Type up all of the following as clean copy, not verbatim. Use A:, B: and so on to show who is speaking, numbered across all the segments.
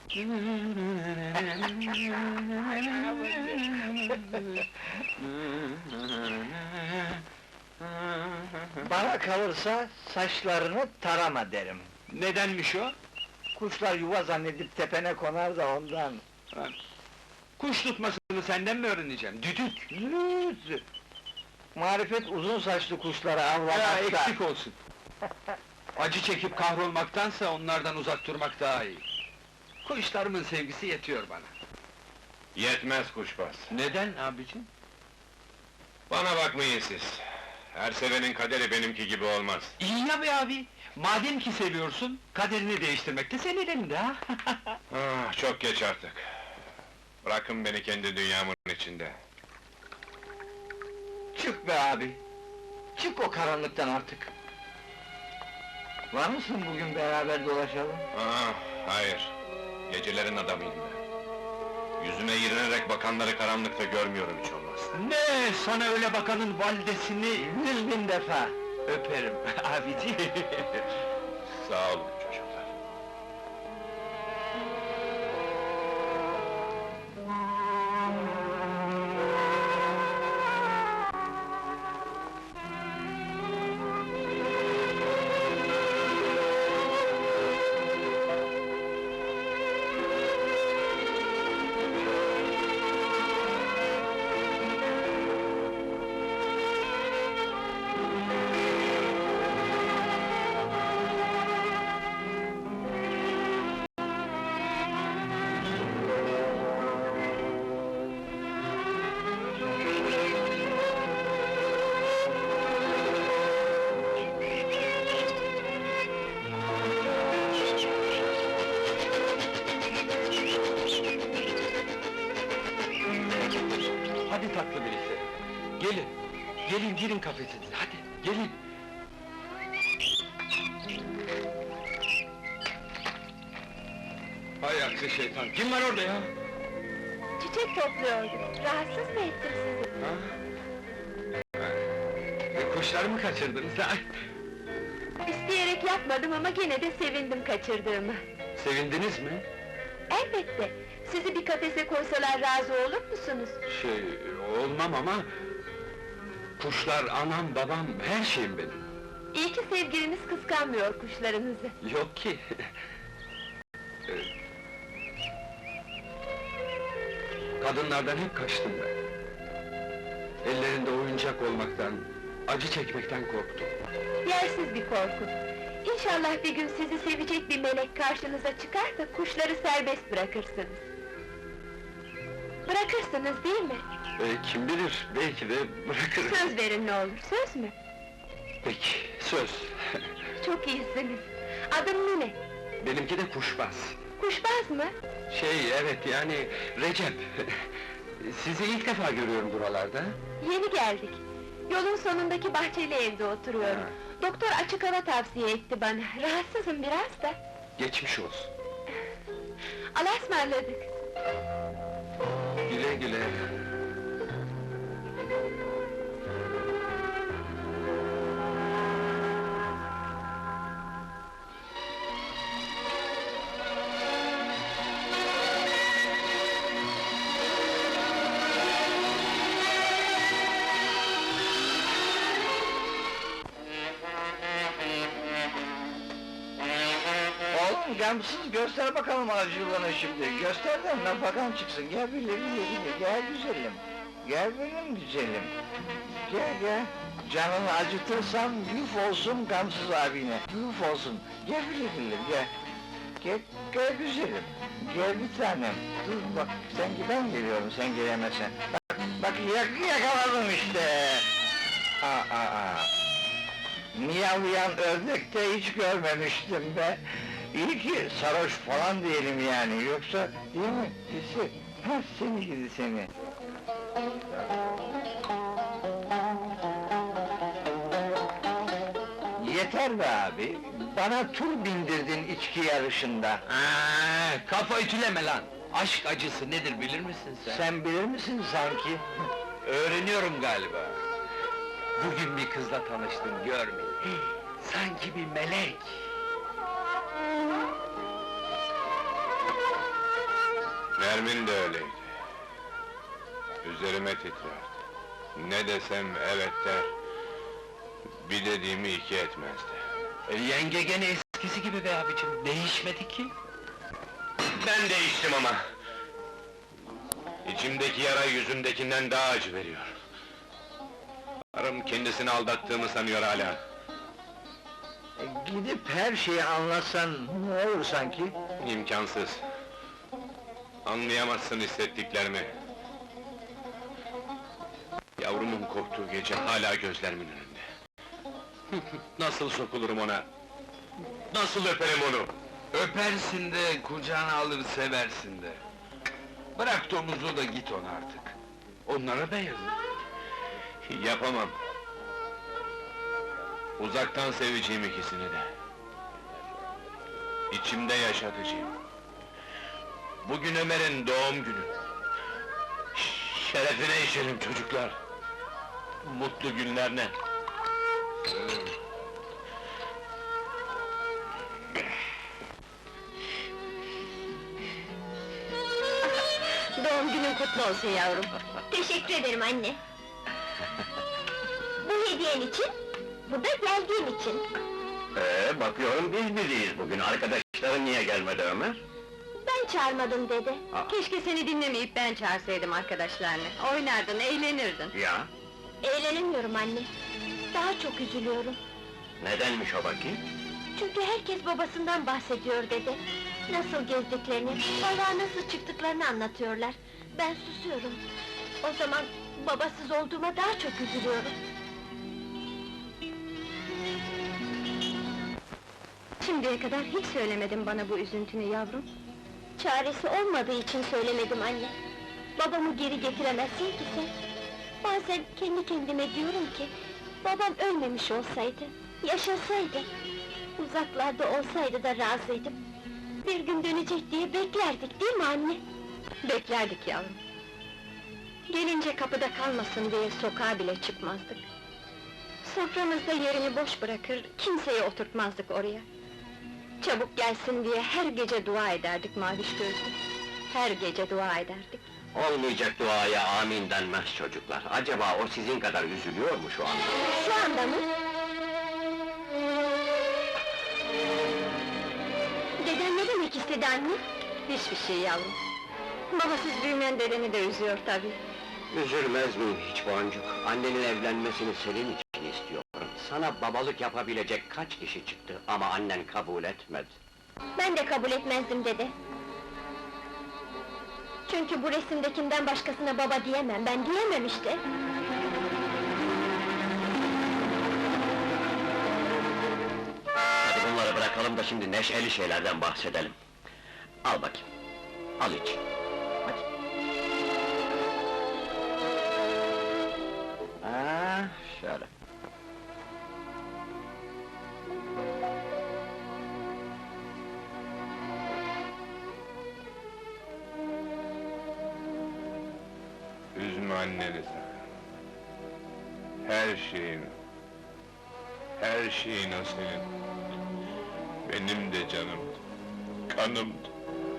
A: Bana kalırsa saçlarını tarama derim.
B: Nedenmiş o?
A: Kuşlar yuva zannedip tepene konar da ondan.
B: Kuş tutmasını senden mi öğreneceğim? Düdük!
A: Züt! Marifet uzun saçlı kuşları
B: Ya
A: avlamakta.
B: eksik olsun! Acı çekip kahrolmaktansa onlardan uzak durmak daha iyi. Kuşlarımın sevgisi yetiyor bana.
C: Yetmez kuşbaz.
B: Neden abicim?
C: Bana bakmayın siz. Her sevenin kaderi benimki gibi olmaz.
B: İyi ya be abi! Madem ki seviyorsun, kaderini değiştirmek de senin elinde ha!
C: Ah, çok geç artık. Bırakın beni kendi dünyamın içinde.
A: Çık be abi! Çık o karanlıktan artık! Var mısın bugün beraber dolaşalım?
C: Ah, hayır. Gecelerin adamıyım ben. Yüzüme iğrenerek bakanları karanlıkta görmüyorum hiç olmaz.
B: Ne, sana öyle bakanın validesini
A: 100.000 defa!
B: öperim abicim!
C: Sağ olun çocuklar.
B: Hadi tatlı birisi! Gelin! Gelin, girin kafesinize, hadi! Gelin! Hay aksi şeytan! Kim var orada ya?
D: Çiçek topluyordum. Rahatsız mı ettim sizi?
B: Ha? Kuşları mı kaçırdınız ha?
D: İsteyerek yapmadım ama gene de sevindim kaçırdığımı.
B: Sevindiniz mi?
D: Elbette! Sizi bir kafese koysalar razı olur musunuz?
B: Olmam ama... Kuşlar anam, babam, her şeyim benim!
D: İyi ki sevgiliniz kıskanmıyor kuşlarınızı.
B: Yok ki! Kadınlardan hep kaçtım ben. Ellerinde oyuncak olmaktan, acı çekmekten korktum.
D: Yersiz bir korku. İnşallah bir gün sizi sevecek bir melek karşınıza çıkar da kuşları serbest bırakırsınız. Bırakırsınız değil mi?
B: Kim bilir, belki de bırakırım.
D: Söz verin ne olur, söz mü?
B: Peki, söz!
D: Çok iyisiniz. Adın ne?
B: Benimki de kuşbaz.
D: Kuşbaz mı?
B: Evet, yani Recep! Sizi ilk defa görüyorum buralarda.
D: Yeni geldik. Yolun sonundaki bahçeli evde oturuyorum. Doktor açık hava tavsiye etti bana. Rahatsızım biraz da.
B: Geçmiş olsun.
D: Allah'a ısmarladık.
B: Güle güle!
A: Oğlum gamsız göster bakalım acılığını şimdi. Göster de nafakan çıksın. Gel bile gel güzelim. Gel benim güzelim. Gel. Canını acıtırsam yuf olsun gamsız abine. Yuf olsun. Gel bile gel. Gel güzelim. Gel bir tanem. Dur bak ben geliyorum sen gelemezsen. Bak yakaladım işte. Miyavlayan ördek de hiç görmemiştim be! İyi ki sarhoş falan diyelim yani, yoksa değil mi? Seni gidi seni! Yeter be abi! Bana tur bindirdin içki yarışında!
B: Kafa ütüleme lan! Aşk acısı nedir bilir misin sen?
A: Sen bilir misin sanki?
B: Öğreniyorum galiba! Bugün bir kızla tanıştım, görmeyin! Sanki bir melek!
C: Nermin de öyleydi. Üzerime titrerdi. Ne desem evet der, bir dediğimi iki etmezdi.
B: Yenge gene eskisi gibi be abicim, değişmedi ki.
C: Ben değiştim ama! İçimdeki yara yüzümdekinden daha acı veriyor. Karım kendisini aldattığımı sanıyor hala.
A: Gidip her şeyi anlatsan ne olur sanki?
C: İmkansız. Anlayamazsın hissettiklerimi. Yavrumun korktuğu gece hala gözlerimin önünde. Nasıl sokulurum ona? Nasıl öperim onu?
B: Öpersin de, kucağına alır seversin de. Bırak domuzu da git ona artık. Onlara da yazık.
C: Yapamam. Uzaktan seveceğim ikisini de. İçimde yaşatacağım. Bugün Ömer'in doğum günü. Şerefine içerim çocuklar. Mutlu günlerine.
D: Doğum günün kutlu olsun yavrum.
E: Teşekkür ederim anne. Bu hediyen için, bu da geldiğin için.
C: Bakıyorum biz biriyiz bugün. Arkadaşların niye gelmedi Ömer?
E: Ben çağırmadım dede.
D: Keşke seni dinlemeyip ben çağırsaydım arkadaşlarını. Oynardın, eğlenirdin.
C: Ya,
E: Eğlenemiyorum anne. Daha çok üzülüyorum.
C: nedenmiş o bakayım?
E: Çünkü herkes babasından bahsediyor dede. Nasıl gezdiklerini, balığa nasıl çıktıklarını anlatıyorlar. Ben susuyorum. O zaman babasız olduğuma daha çok üzülüyorum.
D: Şimdiye kadar hiç söylemedin bana bu üzüntünü yavrum.
E: Çaresi olmadığı için söylemedim anne. Babamı geri getiremezsin ki sen. Bazen kendi kendime diyorum ki... Babam ölmemiş olsaydı, yaşasaydı... Uzaklarda olsaydı da razıydım. Bir gün dönecek diye beklerdik değil mi anne?
D: Beklerdik yavrum. Gelince kapıda kalmasın diye sokağa bile çıkmazdık. Soframızda yerini boş bırakır, kimseyi oturtmazdık oraya. Çabuk gelsin diye her gece dua ederdik maviş gözlü. Her gece dua ederdik.
F: Olmayacak duaya amin denmez çocuklar. Acaba o sizin kadar üzülüyor mu şu anda?
E: Şu anda mı? Deden ne demek istedi anne?
D: Hiçbir şey yavrum. Babasız büyümeyen dedeni de üzüyor tabii.
F: Üzülmez miyim hiç Boncuk? Annenin evlenmesini senin için istiyorum. Sana babalık yapabilecek kaç kişi çıktı ama annen kabul etmedi.
E: Ben de kabul etmezdim dede. Çünkü bu resimdekinden başkasına baba diyemem, ben diyemem işte.
F: Hadi bunları bırakalım da şimdi neşeli şeylerden bahsedelim. Al bakayım, al iç. Hadi. Şöyle.
C: Üzme anneni sakın. Her şeyin o senin. Benim de canımdı, kanımdı.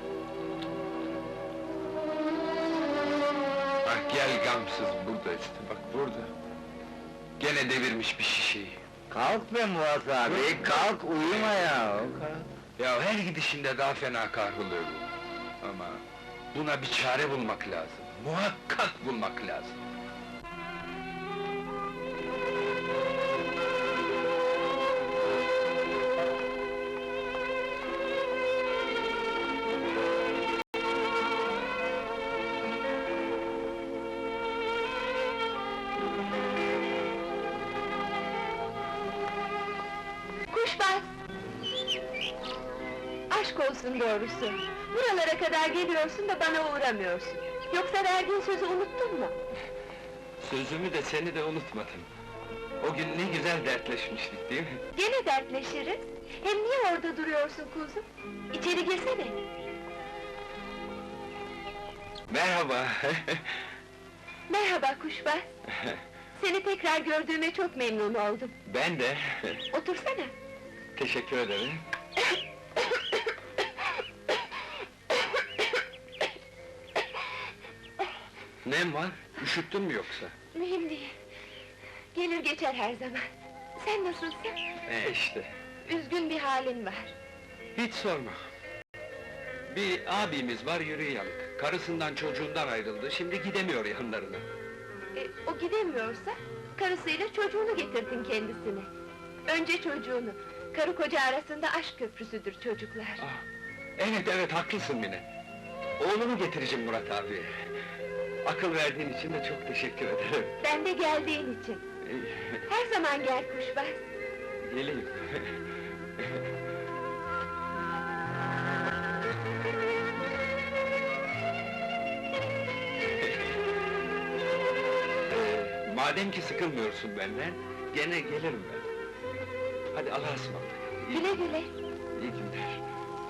B: Bak gel gamsız, burada işte, bak burada. Gene devirmiş bir şişeyi.
A: Kalk be Murat abi, kalk uyuma ya!
B: Ya her gidişinde daha fena kahroluyor bu. Ama buna bir çare bulmak lazım. Muhakkak bulmak lazım.
D: Kuşbaz! Aşk olsun doğrusu. Buralara kadar geliyorsun da bana uğramıyorsun. Yoksa verdiğin sözü unuttun mu?
B: Sözümü de seni de unutmadım. O gün ne güzel dertleşmiştik değil mi?
D: Gene dertleşiriz. Hem niye orada duruyorsun kuzum? İçeri girsene.
B: Merhaba!
D: Merhaba Kuşbaz. Seni tekrar gördüğüme çok memnun oldum.
B: Ben de.
D: Otursana.
B: Teşekkür ederim. Nem var? Üşüttün mü yoksa?
E: Mühim değil. Gelir geçer her zaman. Sen nasılsın?
B: İşte.
E: Üzgün bir halin var.
B: Hiç sorma. Bir abimiz var yürü yanık. Karısından çocuğundan ayrıldı, şimdi gidemiyor yanlarına.
E: O gidemiyorsa, karısıyla çocuğunu getirdin kendisine. Önce çocuğunu, karı koca arasında aşk köprüsüdür çocuklar.
B: Ah, evet haklısın Mine. Oğlunu getireceğim Murat abi. Akıl verdiğin için de çok teşekkür ederim.
E: Ben de geldiğin için. Her zaman gel kuşbaz.
B: Geleyim. Madem ki sıkılmıyorsun benden, gene gelirim ben. Hadi Allah'a ısmarladık.
E: Güle güle.